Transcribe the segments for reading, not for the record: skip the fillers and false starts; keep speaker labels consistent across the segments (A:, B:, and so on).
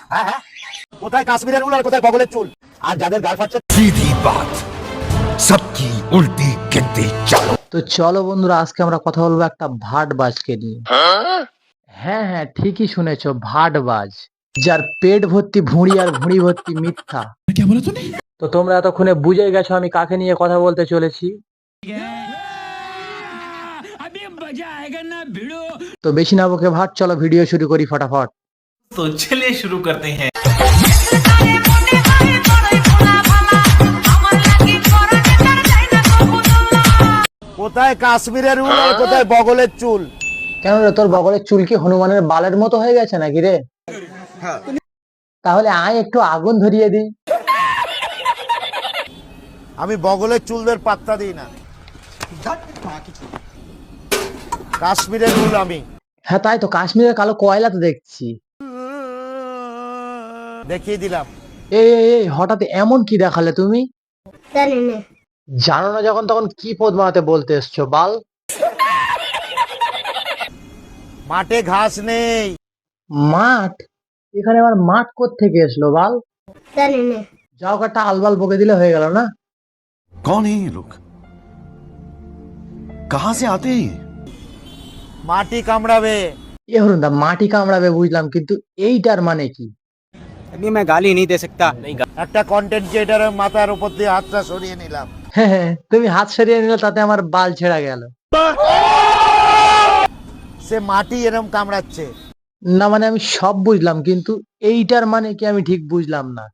A: হ্যাঁ হ্যাঁ, কোথায় কাশ্মীরের উল আর কোথায় বগলের চুল? আর যাদের গাল ফাটছে
B: सीधी बात सबकी उल्टी गिनती चलो।
C: তো চলো বন্ধুরা, আজকে আমরা কথা বলবো একটা ভাটবাজকে নিয়ে। হ্যাঁ হ্যাঁ, ঠিকই শুনেছো, ভাটবাজ, যার পেট ভর্তি ভুঁড়ি আর ভুঁড়ি ভর্তি মিথ্যা।
B: क्या बोला तूने?
C: তো তোমরা এতক্ষণে বুঝে গেছো আমি কাকে নিয়ে কথা বলতে চলেছি। তো বেশি না বকে ভাট, চলো ভিডিও শুরু করি ফটাফট।
D: तो चलिए शुरू करते हैं।
A: কোথায় কাশ্মীরের উল আর কোথায় বগলের চুল?
C: কেন রে, তোর বগলের চুল কি হনুমানের বালের মতো হয়ে গেছে নাকি রে? তাহলে আয় একটু আগুন ধরিয়ে দিই।
A: আমি বগলের চুলদের পাত্তা দিই না। কাশ্মীরের উল আমি
C: হ্যাঁ তাই তো, কাশ্মীরের কালো কয়লা তো দেখছি।
A: দেখিয়ে দিলাম।
C: এই এই এই, হঠাৎ এমন কি দেখালে তুমি? জানো না যখন তখন কি পদ বানাতে বলতে এসছো বাল?
A: মাঠে ঘাস নেই।
C: মাঠ? এখানে আবার মাঠ কোত্থেকে এসলো বাল? যাও একটা আলবাল বকে দিলে হয়ে গেল না?
B: कौन है ये लोग? कहां से आते हैं ये?
A: মাটি কামড়াবে।
C: এ হরুন দা, মাটি কামড়াবে বুঝলাম, কিন্তু এইটার মানে কি?
E: अभी मैं गाली नहीं दे सकता।
A: একটা কন্টেন্ট ক্রিয়েটারের মাথার উপর দিয়ে হাতটা সরিয়ে নিলাম।
C: হ্যাঁ হ্যাঁ, তুমি হাত সরিয়ে নিলে তাতে আমার বাল ছেঁড়া গেল।
A: সে মাটি এরম কামড়াচ্ছে।
C: না মানে আমি সব বুঝলাম, কিন্তু এইটার মানে কি আমি ঠিক বুঝলাম না।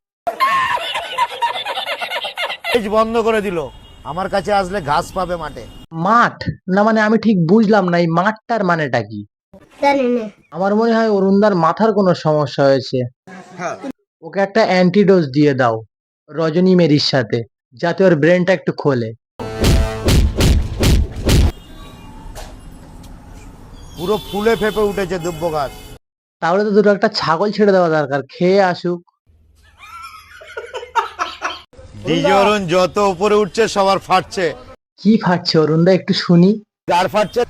A: পেজ বন্ধ করে দিল। আমার কাছে আসলে ঘাস পাবে মাঠে।
C: মাঠ? না মানে আমি ঠিক বুঝলাম না, এই মাঠটার মানেটা কি? আমার মনে হয় অরুণদার মাথার কোনো সমস্যা হয়েছে। ওকে একটা অ্যান্টিডোজ দিয়ে দাও রজনী মেরির সাথে, যাতে ওর ব্রেনটা একটু খোলে।
A: পুরো ফুলে ফেপে উঠেছে দুব্ব গাছ।
C: তাহলে তো দুটো একটা ছাগল ছেড়ে দেওয়া দরকার, খেয়ে আসুক।
A: ডিজে অরুণ যত উপরে উঠছে সবার ফাটছে।
C: কি ফাটছে অরুণদা, একটু শুনি।
A: গার ফাটছে।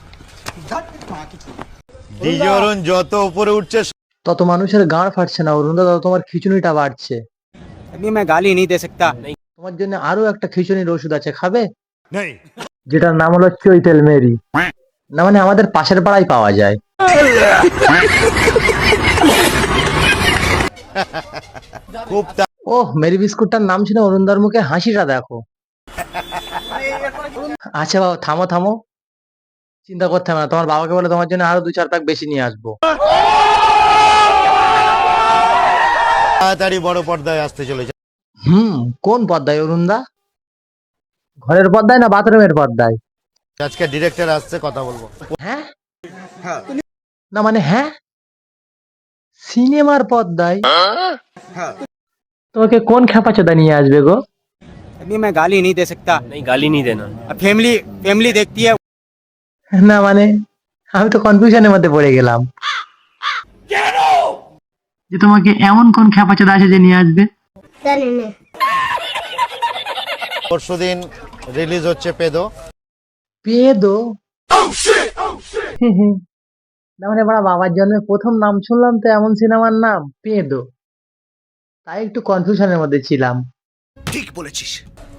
A: ডিজে অরুণ যত উপরে উঠছে
C: তত মানুষের গাঁড় ফাটছে না অরুণদা, তত তোমার খিচুনিটা বাড়ছে।
E: अभी मैं गाली नहीं दे सकता।
C: তোমার জন্য আরো একটা খিচুনির ওষুধ আছে, খাবে?
A: নেই।
C: যেটার নাম হলো চৈতেল মেরি। না মানে আমাদের পাশের পাড়ায় পাওয়া যায়।
A: খুব
C: ওহ, মেরি বিস্কুটটার নাম ছিল অরুণদার মুখে হাসিটা দেখো। আচ্ছা বাবা, থামো থামো, চিন্তা করতে হবে না। তোমার বাবাকে বলে তোমার জন্য আরো 2-4 প্যাক বেশি নিয়ে আসবো।
A: তাড়াতাড়ি বড় পর্দায় আসতে চলেছে।
C: কোন পর্দায় অরুণদা? ঘরের পর্দায় না বাথরুমের পর্দায়?
A: আজকে ডিরেক্টর আসছে, কথা বলবো।
C: হ্যাঁ না মানে হ্যাঁ, সিনেমার পর্দায়? তোমাকে কোন খেপাচোদা নিয়ে আসবে গো?
E: अभी मैं गाली नहीं दे सकता।
D: नहीं, गाली नहीं देना।
E: अब फैमिली फैमिली देखती है।
C: না মানে আমি তো কনফিউশনের মধ্যে পড়ে গেলাম যে তোমাকে এমন কোন খেপাচোদা আছে যে নিয়ে আসবে।
A: পরশুদিন রিলিজ হচ্ছে পেদো।
C: পেদো? না মানে বড় বাবার জন্য প্রথম নাম শুনলাম তো এমন সিনেমার নাম পেদো, তাই একটু কনফিউশনের মধ্যে ছিলাম।
B: ठीक बोलेছিস।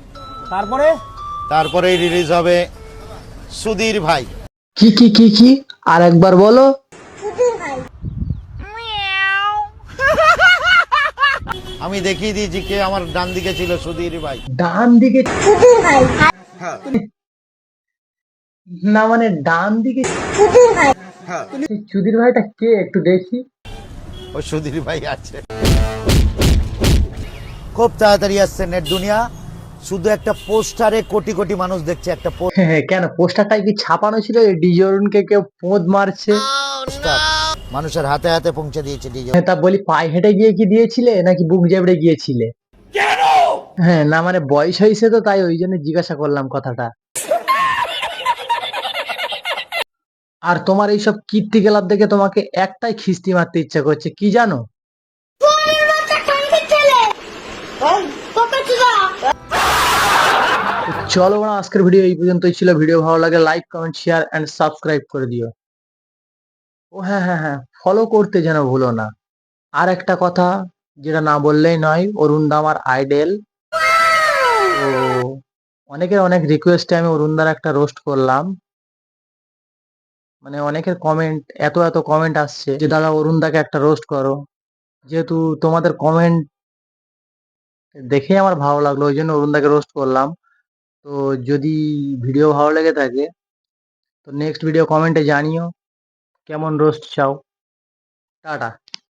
A: তারপরেই রিলিজ হবে সুধীর ভাই।
C: কি কি কি কি, আর একবার বলো।
A: আমি দেখিয়ে দিয়েছি কে আমার ডান দিকে ছিল, সুধীর ভাই।
C: ডান দিকে? না মানে ডান দিকে সেই চুদির ভাইটা কে, একটু দেখি।
A: ওই সুধীর ভাই আছে। খুব তাড়াতাড়ি আসছে নেট দুনিয়া। শুধু একটা পোস্টারে কোটি কোটি মানুষ দেখছে। একটা
C: কেন পোস্টারটাই কি ছাপানো ছিল ডিজে অরুণকে কেউ পোঁদ মারছে?
A: পোস্টার মানুষের হাতে হাতে পৌঁছে দিয়েছে ডিজে।
C: তা বলি, পায়ে হেঁটে গিয়ে কি দিয়েছিলে নাকি বুক জেবড়ে গিয়েছিলে? হ্যাঁ না মানে বয়স হয়েছে তো, তাই ওই জন্য জিজ্ঞাসা করলাম কথাটা। আর তোমার এইসব কীর্তি গেলাপ দেখে তোমাকে একটাই খিস্তি মারতে ইচ্ছা করছে, কি জানো? চলো বড়, আজকের ভিডিও এই পর্যন্তই ছিল। ভিডিও ভালো লাগে like comment share and subscribe করে দিও। ও হ্যাঁ হ্যাঁ হ্যাঁ, ফলো করতে যেন ভুলো না। আর একটা কথা, যেটা না বললেই নয়, অরুণদা আমার আইডেল। তো অনেকের অনেক রিকোয়েস্টে আমি অরুণদার একটা রোস্ট করলাম। মানে অনেকের কমেন্ট, এত এত কমেন্ট আসছে যে দাদা অরুণদাকে একটা রোস্ট করো। যেহেতু তোমাদের কমেন্ট দেখেই আমার ভালো লাগলো, ওই জন্য অরুণদাকে রোস্ট করলাম। তো যদি ভিডিও ভালো লেগে থাকে তো নেক্সট ভিডিও কমেন্টে জানিও কেমন রোস্ট চাও। টাটা।